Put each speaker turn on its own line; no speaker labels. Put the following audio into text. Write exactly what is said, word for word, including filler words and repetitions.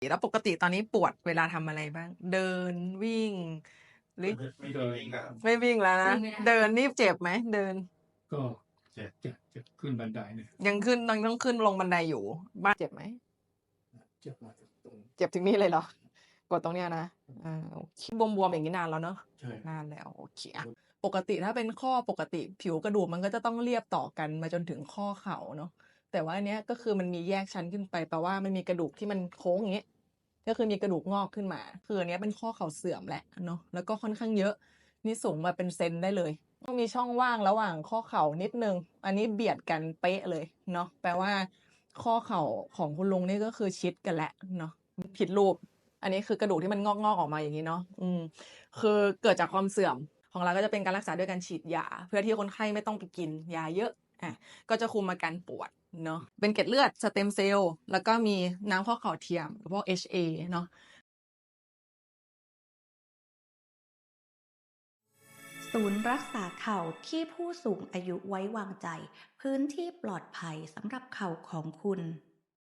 แล้วปกติตอนนี้ปวดเวลาทำอะไรบ้างเดินวิ่งหรือ
ไม่เดินครับ
ไม่วิ่งแล้วนะเดินนี่เจ็บไหมเดิน
ก็เจ็บเจ็บเจ็บขึ้นบันไดเนี่ย
ยังขึ้นต้องต้องขึ้นลงบันไดอยู่บ้านเจ็บไหม
เจ็บมาตรง
เจ็บถึงนี่เลยเหรอกดตรงเนี้ยนะอ่าโอเคบวมๆอย่างนี้นานแล้วเนอะ
ใช่
นานแล้วโอเคอะปกติถ้าเป็นข้อปกติผิวกระดูกมันก็จะต้องเรียบต่อกันมาจนถึงข้อเข่าเนาะแต่ว่าอันเนี้ยก็คือมันมีแยกชั้นขึ้นไปแปลว่ามันมีกระดูกที่มันโค้งอย่างเงี้ยก็คือมีกระดูกงอกขึ้นมาคืออันเนี้ยเป็นข้อเข่าเสื่อมแหละเนาะแล้วก็ค่อนข้างเยอะนี่สูงมาเป็นเซนได้เลยต้องมีช่องว่างระหว่างข้อเข่านิดนึงอันนี้เบียดกันเป๊ะเลยเนาะแปลว่าข้อเข่าของคุณลุงนี่ก็คือชิดกันแหละเนาะผิดรูป อันนี้คือกระดูกที่มันงอกๆออกมาอย่างนี้เนาะอืมคือเกิดจากความเสื่อมของเราก็จะเป็นการรักษาด้วยการฉีดยาเพื่อที่คนไข้ไม่ต้องไปกินยาเยอะอ่ะก็จะคุมอาการปวดเนาะเป็นเกล็ดเลือดสเต็มเซลล์แล้วก็มีน้ำข้อเข่าเทียมพวก เอช เอ เนาะ
ศูนย์รักษาเข่าที่ผู้สูงอายุไว้วางใจพื้นที่ปลอดภัยสำหรับเข่าของคุณ